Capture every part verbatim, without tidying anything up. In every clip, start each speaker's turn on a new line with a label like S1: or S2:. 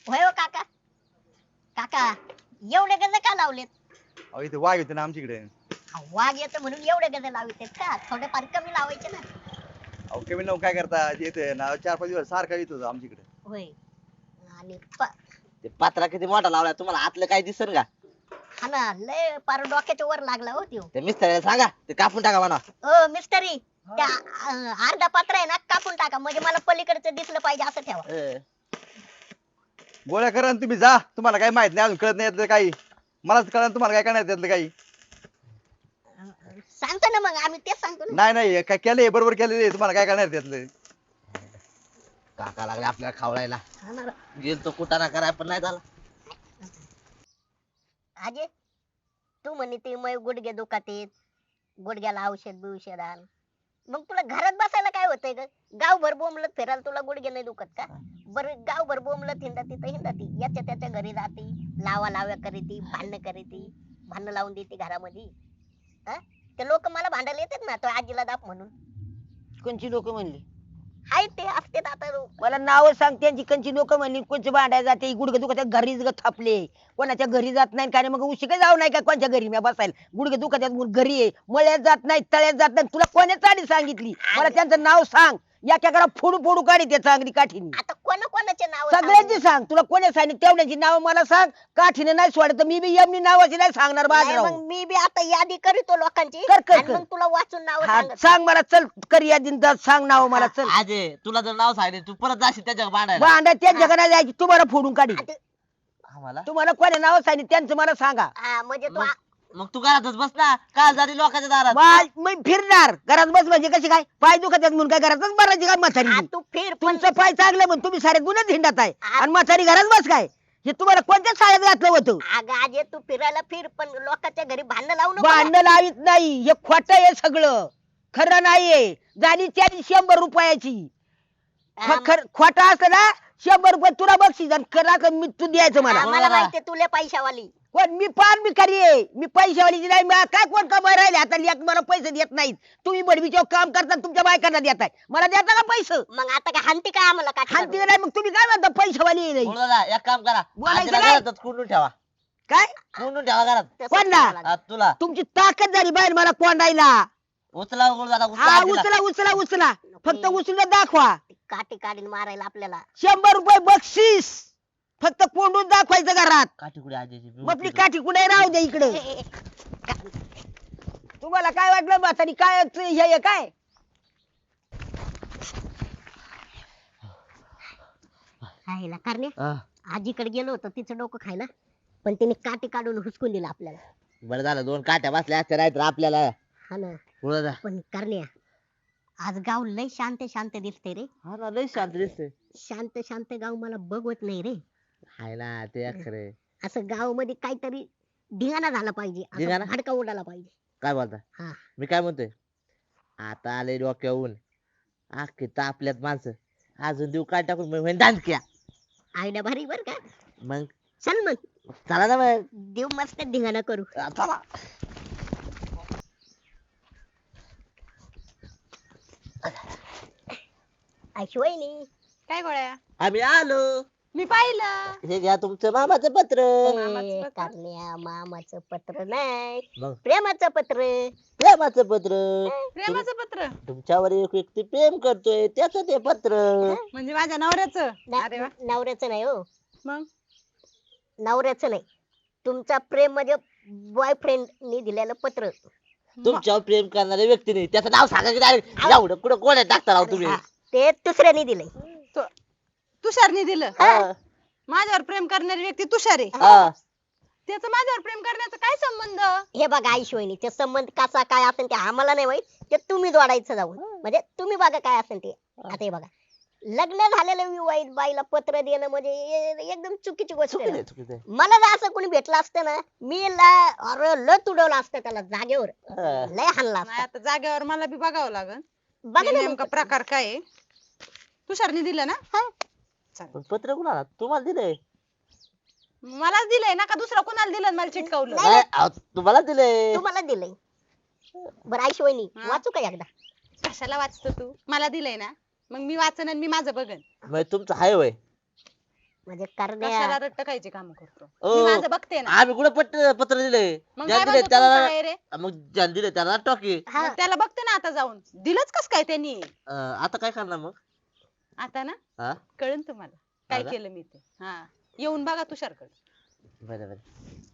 S1: होय हो काका. काका एवढे गज का लावलेत?
S2: अहो इथे वाघ येते ना आमच्याकडे.
S1: अहो, वाघ येतो म्हणून एवढे गज लावलेत का? थोडेफार कमी लावायचे ना.
S2: अहो कमी लावून काय करता येते ना चार पाच दिवस सारखा येतो आमच्याकडे.
S1: होय. आणि प-
S3: ते पत्रा किती मोठा लावलाय तुम्हाला आतलं काय दिसन का?
S1: हा ना लय पार डोक्याच्या वर लागला हो त्यो.
S3: ते मिस्त्रीला सांगा ते कापून टाका म्हणा.
S1: ओ मिस्टरी त्या अं, अर्धा पात्र आहे ना कापून टाका म्हणजे मला पलीकडचं दिसलं पाहिजे असं ठेवा.
S3: अं,
S2: गोळ्या करा आणि तुम्ही जा, तुम्हाला काही माहित नाही अजून कळत नाही यातलं काही. मलाच कळलं तुम्हाला काय करणार त्यातलं काही.
S1: सांगतो ना मग आम्ही तेच सांगतो ना.
S2: नाही नाही काय केलंय बरोबर केलेलं तुम्हाला काय करणार त्यातलं.
S3: काका लागले आपल्याला खावळायला.
S1: हा ना.
S3: गेलतो कुटाणा कराय पण नाही झाला.
S1: अजय तू म्हणे ते मग गुडघे दुखत आहेत, गुडघ्याला औषध बिवषध आण. मग तुला घरात बसायला काय होतंय ग? गावभर बोंबलत फिरायला तुला गुडघे नाही दुखत का? बरं गावभर बोंबलत हिंडा तिथं हिंडा ती याच्या त्याच्या घरी जाती, लावा लाव्या करीती, भांडणं करीती, भांडणं लावून देते घरामध्ये. हा ते लोक मला भांडायला येतात ना तो आजीला दाप म्हणून.
S4: कोणची लोक म्हणली?
S1: हाय ते असतात आता लोक.
S4: मला नाव सांग त्यांची कोणची लोक म्हणली, कोणची भांडायला जाते, गुडघे दुखत आहेत, घरीच ग थापले, कोणाच्या घरी जात नाही काय नाही, मग उशी काय जाऊ नाही का कोणच्या घरी मी बसायला, गुडघे दुखत आहेत म्हणून घरी आहे, मळ्यात जात नाही, तळ्यात जात नाही, तुला कोण्या चाडी सांगितली? मला त्यांचं नाव सांग, एका घरा फोडू फोडू काढी ते चांगली काठीने.
S1: आता कोणा कोणाचे नाव
S4: सगळ्यांची सांग, तुला कोणी सांगितलं तेवढ्याची नाव मला सांग. काठीने नाही सोडत तर मी बी एमनी नावाची नाही सांगणार बाजराव.
S1: मग मी बी आता यादी करीतो लोकांची
S4: कर, कर,
S1: आणि
S4: कर.
S1: मग तुला वाचून नाव
S4: हा,
S1: सांगत.
S4: सांग मला, चल कर यादीन जा, सांग नाव मला, चल.
S3: आजे तुला जर नाव सांगितलं तू परत जाशील त्याच्या भांडायला.
S4: भांडा त्यांच्या घरात जायची, तुम्हाला फोडून काढी.
S1: आता-
S3: आम्हाला
S4: तुम्हाला कोणी नाव सांगितलं त्यांचं मला सांगा.
S1: हा म्हणजे तू
S3: मग मग तू घरातच बस ना का जारी लोकांच्या दारात.
S4: मा- मी फिरणार घरात बस म्हणजे कशी काय? पाय दुखत आहेत म्हणून काय घरातच बरायची काय म्हातारी?
S1: आ, तू फिर पण
S4: तुमचं पाय चांगलं म्हणून तुम्ही सारे गुन्हे हिंडत आहे
S1: आ-
S4: आणि म्हातारी घरात बस काय? हे तुम्हाला कोणत्या शाळेत घातलं होतं?
S1: अगं आजे तू फिरायला फिर पण लोकांच्या घरी भांडण लावू नको ना.
S4: भांडण लावित नाही, हे खोट आहे सगळं, खरं नाहीये. झाली त्याची शंभर रुपयाची.
S1: आ,
S4: खोट असलं ना शंभर रुपये तुला बक्षीस आणि खरा का मी तू द्यायचं मला.
S1: आम्हाला माहितीये तुले पैशावाली.
S4: कोण मी पान भिकारी आहे, मी पैशावालीची नाही. मला काय कोण कमाई राहिले आता लेक मला पैसे देत नाहीत. तुम्ही बडवीच्या काम करता तुमच्या बायकांना देताय, मला देता का पैसे?
S1: मग आता काय हानती काय आम्हाला
S4: हानती
S1: काठी
S4: का नाही? मग तुम्ही काय म्हणता पैशावाली आहे नाही?
S3: बोल दादा एक काम करा
S4: बोलायचं
S3: आजीला
S4: नाही.
S3: घरातच कोंडून ठेवा.
S4: काय
S3: कोंडून ठेवा घरात.
S1: तसंच
S4: कोण ना?
S1: करावं लागेल.
S3: आ, तुला
S4: तुमची ताकद झाली बाहेर मला कोंडायला.
S3: उचला गुळ दादा उचला
S4: हा
S3: आजीला.
S4: उचला उचला उचला, फक्त उचलून दाखवा.
S1: ती काठी काढीन मारायला आपल्याला.
S4: शंभर रुपये बक्षीस, फक्त कोंडून दाखवायचं घरात.
S3: काठी कुठे आजीची
S4: मग आपली काठी कुठे राहू दे इकडे.
S1: ए, ए, ए,
S4: तुम्हाला काय वाटलं म्हातारी काय हे हे काय?
S1: खायला करणे
S3: हा.
S1: आजीकडे गेलो होतो तिचं डोकं खायला, पण तिने काठी काढून हुसकून दिलं आपल्याला.
S3: बरं झालं दोन काट्या बसल्या असत्या नाही तर आपल्याला.
S1: हा ना.
S3: बोल दादा.
S1: पण करण्या आज गाव लय शांत शांत दिसते रे.
S3: हा ना लय शांत दिसतंय.
S1: शांत शांत गाव मला बघवत नाही रे.
S3: हाय ना ते खरे.
S1: असं गाव मध्ये काहीतरी धिंगाणा झाला पाहिजे, असं
S3: धिंगाणा?
S1: भडका उडाला पाहिजे.
S3: काय बोलता?
S1: हा.
S3: मी काय म्हणतोय आता आले डोक्यावरून अख्खी तापल्यात माणसं अजून देऊ काय टाकून मग म्हणे दांडक्या.
S1: आयडिया भारी बर का.
S3: मग
S1: चल मग
S3: चला ना मग.
S1: देव मस्त धिंगाणा करू.
S3: चला.
S1: ऐशवईनी
S5: काय गोळ्या?
S3: आम्ही आलो.
S5: मी पाहिलं.
S3: हे घ्या तुमचं मामाचं पत्र.
S5: मामाचं पत्र?
S1: करण्या मामाचं पत्र नाही,
S3: मग
S1: प्रेमाचं पत्र.
S3: प्रेमाचं पत्र.
S5: प्रेमाचं पत्र
S3: तुमच्यावर एक व्यक्ती प्रेम करतोय त्याच ते पत्र.
S5: म्हणजे माझ्या नवऱ्याचं. अरे वा.
S1: न- नवऱ्याचं नाही हो,
S5: मग
S1: नवऱ्याचं नाही. तुमचा प्रेम म्हणजे बॉयफ्रेंडनी दिलेलं पत्र.
S3: तुमच्यावर प्रेम करणाऱ्या व्यक्तीने त्याचं नाव सांगा की डायरेक्ट एवढं कुठं कोण टाकता राव तुम्ही.
S1: हा, ते दुसऱ्याने दिलंय.
S5: तु- तुषारने दिलं.
S3: हा.
S5: माझ्यावर प्रेम करणारी व्यक्ती तुषार आहे.
S3: हा.
S5: त्याचं माझ्यावर प्रेम करण्याचा काय संबंध?
S1: हे बघा आईशिवायनी ते संबंध कसा काय असेल ते आम्हाला नाही माहित, ते तुम्ही जोडायचं जाऊन. म्हणजे तुम्ही बघा काय असेल ते. आता हे बघा, लग्न झालेल्या विवाहित बाईला पत्र देणं म्हणजे ए- एकदम चुकीची गोष्ट आहे
S3: चुकीचं
S1: ना.
S3: आहे, चुकीचं आहे.
S1: मला जर असं कोणी भेटलं असतं ना, मी ला- अरे लय तुडवलं असतं त्याला जागेवर,
S3: हा.
S1: लय हाणला
S5: नाही,
S1: असता.
S5: आता जागेवर मला बी बघावं लागल
S1: बघा ना
S5: नेमका
S1: मग.
S5: प्रकार काय आहे. तुषारने दिलं ना?
S3: पण पत्र कुणाला तुम्हाला दिलंय?
S5: मलाच दिलंय ना का दुसरा कोणाला दिलं आणि मला चिटकावलं?
S1: नाही.
S3: नाही, अहो, तुम्हाला दिलंय.
S1: तुम्हाला दिलंय. बरं आईशिवायनी
S5: हा.
S1: वाचू का एकदा?
S5: कशाला वाचतो तू? मला दिलंय ना, मग मी वाचन आणि मी माझं बघन.
S3: मग तुमचं हाय वय
S1: म्हणजे
S5: कशाला
S1: करण्या
S5: रट्ट खायचे काम करतो
S3: ओ,
S5: मी माझं बघते ना
S3: आम्ही कुठं पत्र पत्र दिले
S5: मग
S3: ज्याला
S5: काय
S3: दिले
S5: म्हणतो
S3: त्याला
S5: तुमचं काय रे
S3: मग ज्याला दिले त्याला टॉकी
S1: हा
S5: मग त्याला बघते ना आता जाऊन दिलंच कस काय त्यांनी
S3: आता काय करणार मग
S5: आता ना
S3: हा
S5: कळन तुम्हाला काय
S3: का?
S5: केलं मी ते हा येऊन बघा तुषारकडे
S3: बरं बरं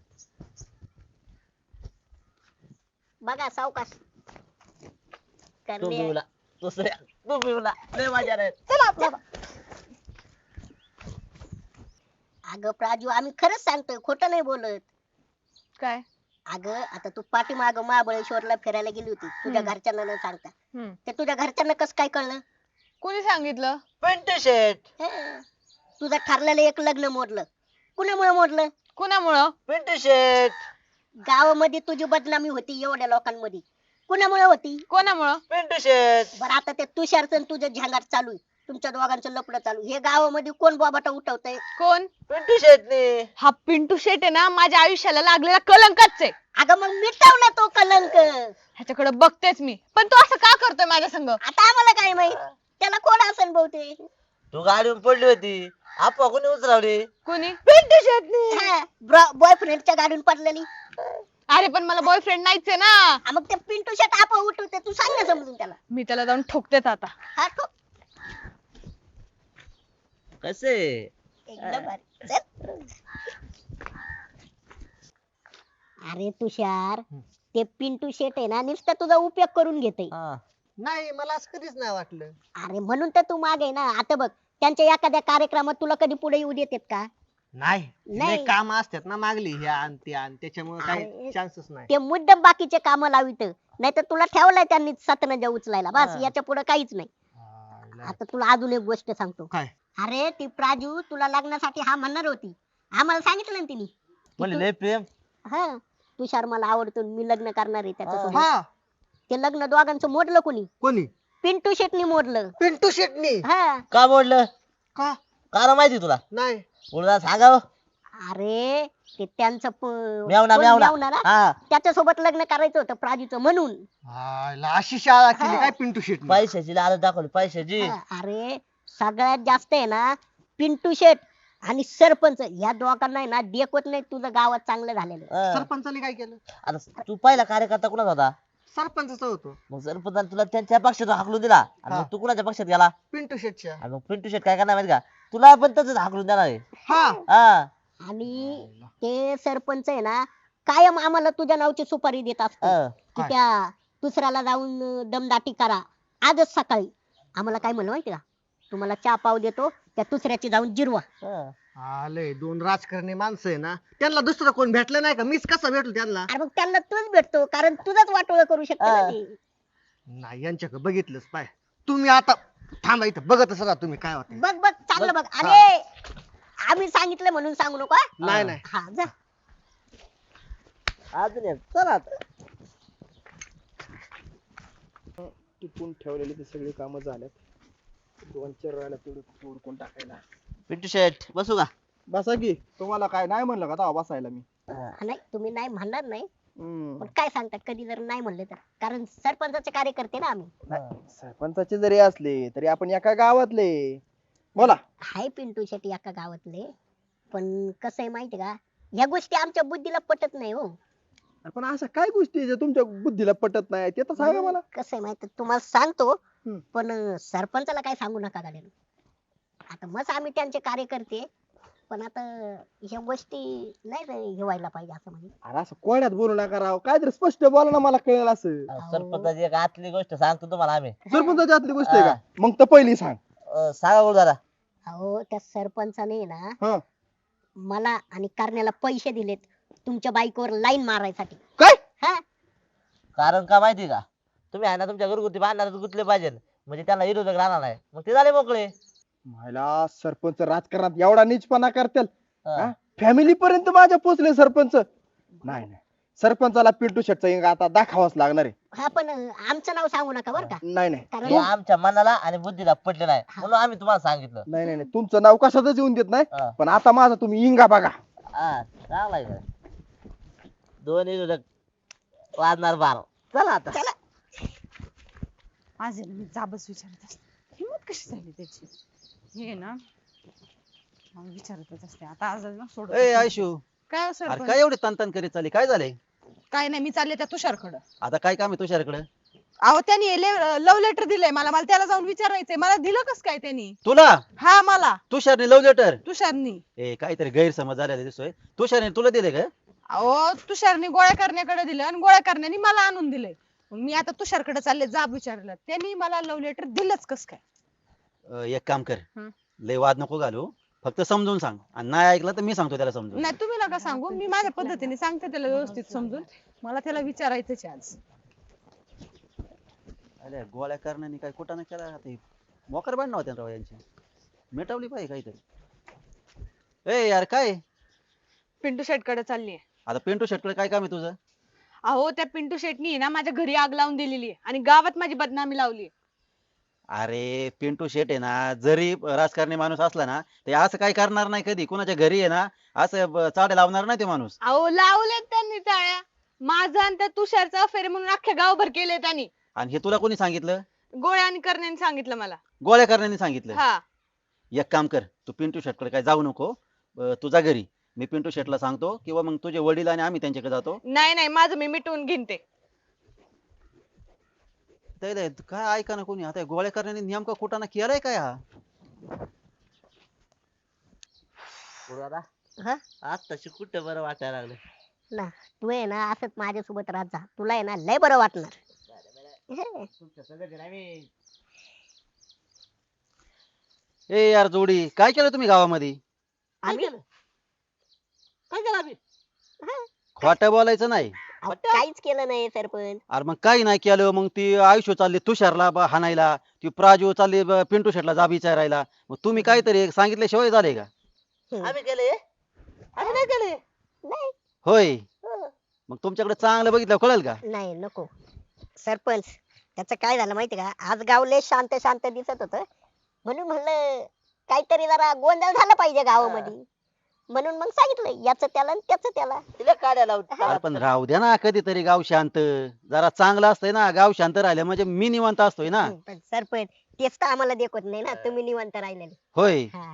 S1: बघा सावकाश
S3: तो
S1: करण्या
S3: पिवला दुसऱ्या तो पिवला लय मजा रे
S1: चला आपल्या अगं प्राजू आम्ही खरंच सांगतोय खोटं नाही बोलत.
S6: काय
S1: अगं आता तू पाठीमाग महाबळेश्वरला फिरायला गेली होती तुझ्या
S6: हम्म.
S1: घरच्यांना न सांगता
S6: हम्म.
S1: ते तुझ्या घरच्यांना कसं काय कळलं?
S6: कोणी सांगितलं?
S3: पेंट शर्ट
S1: हं. तुझं ठरलेलं एक लग्न मोडलं. कुणामुळे मोडलं?
S6: कुणामुळं?
S3: पेंट शर्ट
S1: गावामध्ये तुझी बदनामी होती एवढ्या लोकांमध्ये. कुणामुळे होती?
S6: कोणामुळं?
S3: पेंट शर्ट
S1: बरं आता ते तुषारचं आणि तुझं झंगाट चालू आहे. तुमच्या दोघांचं लपडं चालू आहे. हे गावामध्ये कोण बाबाटा उठवतंय?
S6: कोण?
S3: पेंट शर्ट ने
S6: हा पिंटू शेट आहे ना माझ्या आयुष्याला लागलेला कलंकच आहे.
S1: अगं मग मिटवला तो कलंक.
S6: ह्याच्याकडे बघतेच मी, पण तो असं का करतोय माझ्या संग?
S1: आता आम्हाला काय माहित त्याला कोण असेल बहुतेक.
S3: तू गाडीवर पडली होती आपा कोणी उचलावली
S6: कोणी?
S1: बॉयफ्रेंडच्या गाडून पडलेली.
S6: अरे पण मला बॉयफ्रेंड नाहीच आहे ना.
S1: हा, मग ते पिंटू शर्ट आपा उठवते तू सांग ना समजून त्याला.
S6: मी त्याला जाऊन ठोकतेच आता.
S1: हा ठोक.
S3: कसे
S1: एकदम भारी. चल. अरे तुषार ते पिंटू शेट आहे ना नुसतं तुझा उपयोग करून घेते.
S7: नाही मला असं कधीच नाही वाटलं.
S1: अरे म्हणून तर तू मागे ना. आता बघ त्यांच्या एखाद्या कार्यक्रमात तुला कधी पुढे येऊ देतात का?
S7: नाही
S1: नाही.
S7: लय काम असतात ना मागली ह्या आणि त्या आणि त्याच्यामुळे
S1: अरे.
S7: काही चान्सच नाही.
S1: ते मुद्दाम बाकीचे काम लावित नाही तर तुला ठेवलाय त्यांनी सतनजा उचलायला बस
S7: हा.
S1: याच्या पुढे काहीच नाही.
S7: हा, लय.
S1: आता तुला अजून एक गोष्ट सांगतो.
S7: काय
S1: अरे ती प्राजू तुला लग्नासाठी हा म्हणणार होती. आम्हाला सांगितलं ना तिने.
S3: म्हणले लय प्रेम
S1: हा तुषार मला आवडतो मी लग्न करणार आहे त्याच्यासोबत.
S7: हा
S1: ते लग्न दोघांचं मोडलं कोणी?
S7: कोणी?
S1: पिंटू शेटनी मोडलं.
S7: पिंटू शेटणी.
S1: हा
S3: का बोललं
S7: का?
S3: कारण माहिती तुला
S7: नाही
S3: बोलला सांगाव
S1: अरे ते त्यांचं प-
S3: मेवना
S1: कोण
S3: मेवना
S1: मेवना ना?
S3: हा
S1: त्याच्यासोबत लग्न करायचं होतं प्राजूचं म्हणून.
S7: आयला अशी शाळा केली
S1: हा.
S7: काय पिंटू शेटणी?
S3: पैशाची लालच दाखवली पैशाची
S1: हा, अरे सगळ्यात जास्त आहे ना पिंटू शेट आणि सरपंच या दोघांना आहे ना देखवत नाही तुझं गावात चांगलं झालेलं.
S3: हा.
S7: सरपंचाने काय केलं?
S3: आता तू पहिला कार्यकर्ता कुणाचा होता
S7: सरपंचाचा होतो
S3: मग सरपंचाने तुला त्यांच्या पक्षातून हाकलून दिला आणि
S7: हा.
S3: मग तू कुणाच्या पक्षात गेला
S7: पिंटू शेटच्या.
S3: आणि मग पिंटू शेट काय करणार माहिती का तुला पण तसंच हाकलून देणार आहे
S7: हा
S3: हा
S1: आणि ते सरपंच आहे ना कायम आम्हाला तुझ्या नावची सुपारी देत असतो
S3: हा.
S1: की
S7: काय?
S1: त्या दुसऱ्याला जाऊन अं, दमदाटी करा. आजच सकाळी आम्हाला काय म्हणलं माहिती का तुम्हाला चहा पाव देतो त्या दुसऱ्याची जाऊन जिरवा.
S3: हा.
S7: आले दोन राजकारणी माणसं आहे ना त्यांना दुसरं कोण भेटलं नाही का? मीच कसा भेटलो त्यांना?
S1: अरे मग त्यांना तूच भेटतो कारण तुझाच वाटोळ करू शकतो ना
S3: हा.
S1: ते.
S7: नाही यांच्याकडे बघितलंच पाय. तुम्ही आता थांबा इथं बघतच राहा तुम्ही काय होतं.
S1: बघ बघ चांगलं
S3: बघ.
S1: बघ. अरे आम्ही सांगितलं म्हणून सांगू नको हा?
S7: नाही नाही
S1: हा जा.
S3: अजून एक. चला आता
S8: टिपून ठेवलेली ती सगळी कामं झाल्यात. दोन चार राहिला तेवढं उरकून टाकायला.
S3: पिंटू शेट बसू का
S2: बसा की तुम्हाला काय नाही म्हणलं का तेव्हा बसायला मी.
S3: हा.
S1: नाही तुम्ही नाही म्हणणार नाही
S2: हम्म.
S1: पण काय सांगतात कधी जर नाही म्हणले तर कारण सरपंचाचे कार्यकर्ते ना आम्ही.
S2: सरपंचाचे जरी असले तरी आपण एका गावातले. बोला.
S1: हाय पिंटू शेट्टी एका गावातले पण कसं आहे माहिती का ह्या गोष्टी आमच्या बुद्धीला पटत नाही हो.
S2: पण अशा काय गोष्टी आहे ज्या तुमच्या बुद्धीला पटत नाही ते तर सांगा मला.
S1: कसं आहे माहिती तुम्हाला सांगतो
S2: हम्म.
S1: पण अं, सरपंचाला काय सांगू नका गाड्यानं. आता मस्त आम्ही त्यांचे कार्यकर्ते पण आता ह्या गोष्टी नाही रे हे व्हायला पाहिजे असं म्हणजे.
S2: अरे असं कोड्यात बोलू नका राव काय तरी स्पष्ट बोला ना मला कळेल असं.
S3: सरपंचाची एक आतली गोष्ट सांगतो तुम्हाला आम्ही
S2: सरपंचाची आतली गोष्ट आहे का मग तर पहिली सांग.
S3: अं, सांगा बोल जरा
S1: अहो त्या सरपंचाने ना
S2: हा
S1: मला आणि करण्याला पैसे दिलेत तुमच्या बाईकवर लाईन मारायसाठी.
S2: काय?
S1: हा
S3: कारण का माहिती का तुम्ही आहे ना तुमच्या घरगुती भांडणात गुंतले पाहिजे म्हणजे त्यांना विरोधक राहणार नाही मग ते झाले मोकळे
S2: मला सरपंच राजकारणात एवढा नीचपणा करतील.
S3: हा.
S2: फॅमिली पर्यंत माझ्या पोचले सरपंच. नाही नाही सरपंचाला पिंटू शेटचा इंगा आता दाखवाच लागणार आहे.
S1: हा पण अं, आमचं नाव सांगू नका बरं का
S2: नाही नाही
S3: हे
S1: कारण
S3: आमच्या मनाला आणि बुद्धीला पटले नाही म्हणून आम्ही तुम्हाला सांगितलं
S2: नाही नाही नाही. तुमचं नाव कशातच येऊन देत नाही
S3: हा.
S2: पण आता माझा तुम्ही इंगा बघा.
S3: हा चांगला आहे बरं. दोन विरोधक वाजणार बार चला आता
S5: माझे ना मी जाबच विचारत असते हिंमत कशी झाली त्याची हे ना विचारतच असते आता आज ना सोड
S2: ए आयशू,
S5: काय हो
S2: अरे
S5: सरपंच?
S2: काय एवढी तनतन करीत चालली, काय झालंय?
S5: काय नाही, मी चालले त्या तुषारकडं.
S2: आता काय काम आहे तुझ्याकडे?
S5: अहो त्यांनी लव्ह लेटर दिलंय मला मला त्याला जाऊन विचारायचंय, मला दिलं कस काय त्यांनी?
S2: तुला
S5: हा मला
S2: तुषारने लव्ह लेटर?
S5: तुषारनी.
S2: ए काहीतरी गैरसमज झालेला दिसतोय. तुषारने तुला दिले का?
S5: अहो तुषारनी गोळ्या करण्याकडे दिलं आणि गोळ्या करण्याने मला आणून दिलंय. मग मी आता तुषारकडे चालले, जाब विचारलं त्यांनी मला लव्ह लेटर दिलंच कस काय?
S2: अं, एक काम कर,
S5: हं.
S2: लय वाद नको घालू, फक्त समजून सांग, आणि नाही ऐकलं तर मी सांगतो त्याला समजून.
S5: नाही तुम्ही नका सांगू, मी माझ्या पद्धतीने सांगते त्याला व्यवस्थित समजून. मला त्याला विचारायचंच आहे आज.
S2: अरे गोळ्या करण्याने काय कुठं ना केला ते मोकर बांधणार होत्या राव यांची, मिटवली पाहिजे काहीतरी. ए यार काय
S6: पिंटू शेट कडे चालली
S2: आता पिंटू शेटकडे काय काम आहे तुझं?
S6: अहो त्या पिंटू शेटनी ना माझ्या घरी आग लावून दिलेली आहे आणि गावात माझी बदनामी लावली.
S2: अरे पिंटू शेट आहे ना, जरी राजकारणी माणूस असला ना ते असं काय करणार नाही कधी, कुणाच्या घरी आहे ना असं ब- चाड्या लावणार नाही ते माणूस.
S6: अहो लावलेत त्यांनी टाळ्या. माझं आणि त्या तुषारचा अफेअर म्हणून अख्ख्या गावभर केले त्यांनी.
S2: आणि हे तुला कोणी सांगितलं?
S6: गोळ्या आणि करण्याने सांगितलं मला.
S2: गोळ्या करण्याने सांगितलं?
S6: हा
S2: एक काम कर, तू पिंटू शेटकडे काय जाऊ नको, अं, तुझ्या घरी मी पिंटू शेटला सांगतो, किंवा मग तुझे वडील आणि आम्ही त्यांच्याकडे जातो.
S6: नाही नाही, माझं मी मिटवून घेईन ते.
S2: त्याला काय ऐका ना कोणी, आता गोळ्या करण्याने नेमका कुठं केलाय काय हा?
S3: दादा
S1: हा?
S3: आज तशी कुठं बरं वाटायला लागलं.
S1: ना तू आहे ना असंच माझ्यासोबत राहत जा, तुला आहे ना लय बरं वाटणार.
S3: तुमच्या सगळं नाही.
S2: ए यार जोडी, काय केलं तुम्ही गावामध्ये?
S1: आम्ही
S3: काय केलं आम्ही?
S2: खोटं बोलायचं नाही.
S1: अहो, काहीच केलं नाही सरपंच.
S2: अरे मग काही नाही केलं, मग ती आयुष्य चालली तुषारला ब- हाणायला, ती प्राजू चालली ब- पिंटू शेटला जाब विचारायला, मग तुम्ही काहीतरी सांगितल्याशिवाय झाले का?
S3: आम्ही केले आम्ही नाही केले.
S1: नाही
S2: होय,
S1: हो.
S2: मग तुमच्याकडे चांगलं बघितलं कळेल का?
S1: नाही नको सरपंच. त्याचं काय झालं माहिती का, आज गाव लय शांत शांत दिसत होत, म्हणून म्हणलं काहीतरी जरा गोंधळ झाला पाहिजे गावामध्ये, म्हणून मग सांगितलं याच त्याला आणि त्याच त्याला.
S3: तिला काढ्या लावून
S2: अरे पण राहू द्या ना कधीतरी गाव शांत, जरा चांगलं असतंय ना, गाव शांत राहिलं म्हणजे मी निवांत असतोय ना.
S1: हं, पण सरपंच तेच तर आम्हाला देखत नाही ना, तुम्ही निवांत राहिलेले.
S2: होय,
S1: हा.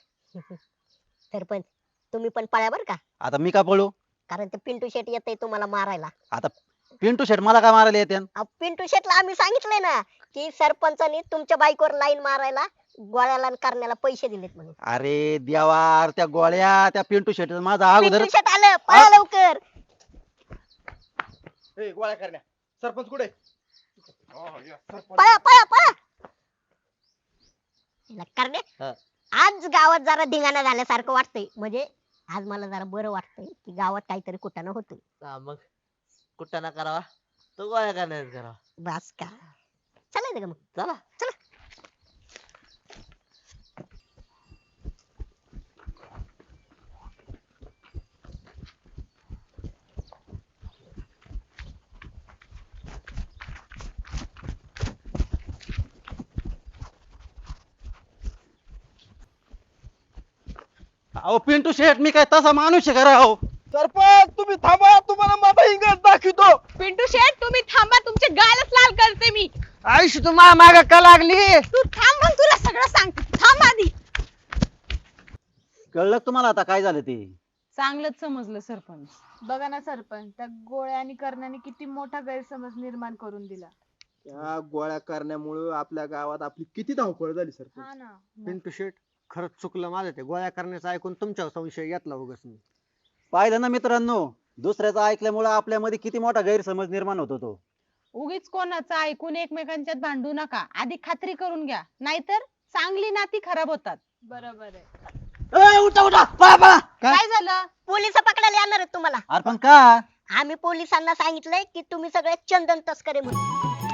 S1: सरपंच तुम्ही पण पळा बर का,
S2: आता मी का पळू?
S1: कारण ते पिंटू शेट येतंय तुम्हाला मारायला.
S2: आता पिंटू शेट मला का मारायला येते?
S1: अहो, पिंटू शेटला आम्ही सांगितलंय ना की सरपंचानी तुमच्या बाईकवर लाईन मारायला गोळ्याला आणि करण्याला पैसे दिलेत म्हणून.
S2: अरे देवा, अरे त्या गोळ्या त्या पिंटू शेट माझा अगोदर.
S1: पिंटू शेट आलं, पळा लवकर.
S8: ए, गोळ्या करण्या सरपंच कुठे?
S1: पळा पळा पळा. हिला करण्या,
S3: हा.
S1: आज गावात जरा धिंगाणा झाल्यासारखं वाटतंय, म्हणजे आज मला जरा बरं वाटतंय की गावात काहीतरी कुठं होतंय.
S3: हा, मग कुठं ना करावा तो गोळ्या करण्यात करावा.
S1: बस का, चालायचं का मग?
S3: चला
S2: अहो पिंटू शेट, मी काय तसा माणूस आहे का राव?
S8: सरपंच तुम्ही थांबा, तुम्हाला माझा इंग्रज दाखवतो.
S6: पिंटू शेट तुम्ही थांबा, तुमचे गालच लाल करते मी.
S7: आयुष्य तू मा माग का लागली?
S6: तू थांब, मग तुला सगळं सांगते. थांब आधी.
S2: कळलं का तुम्हाला आता काय झालं ते?
S5: चांगलंच समजलं सरपंच.
S9: बघा ना सरपंच, त्या गोळ्या आणि करण्याने किती मोठा गैरसमज निर्माण करून दिला.
S8: या गोळ्या करण्यामुळे आपल्या गावात आपली किती धावपळ झाली सरपंच.
S9: हा ना.
S7: पिंटू शेट खरंच चुकलं माझं, ते गोळ्या करण्याचं ऐकून तुमच्यावर संशय घेतला उगाच मी.
S2: पाहिलं ना मित्रांनो, दुसऱ्याचं ऐकल्यामुळे आपल्यामध्ये किती मोठा गैरसमज निर्माण होतो तो.
S5: उगीच कोणाचं ऐकून एकमेकांच्यात भांडू नका, आधी खात्री करून घ्या, नाहीतर चांगली नाती खराब होतात.
S9: बरोबर आहे.
S2: ए, उठा उठा, पळा पळा.
S5: काय झालं?
S1: पोलिस पकडायला येणार आहेत तुम्हाला.
S2: अरे पण का?
S1: आम्ही पोलिसांना सांगितलंय की तुम्ही सगळे चंदन तस्करे म्हणून.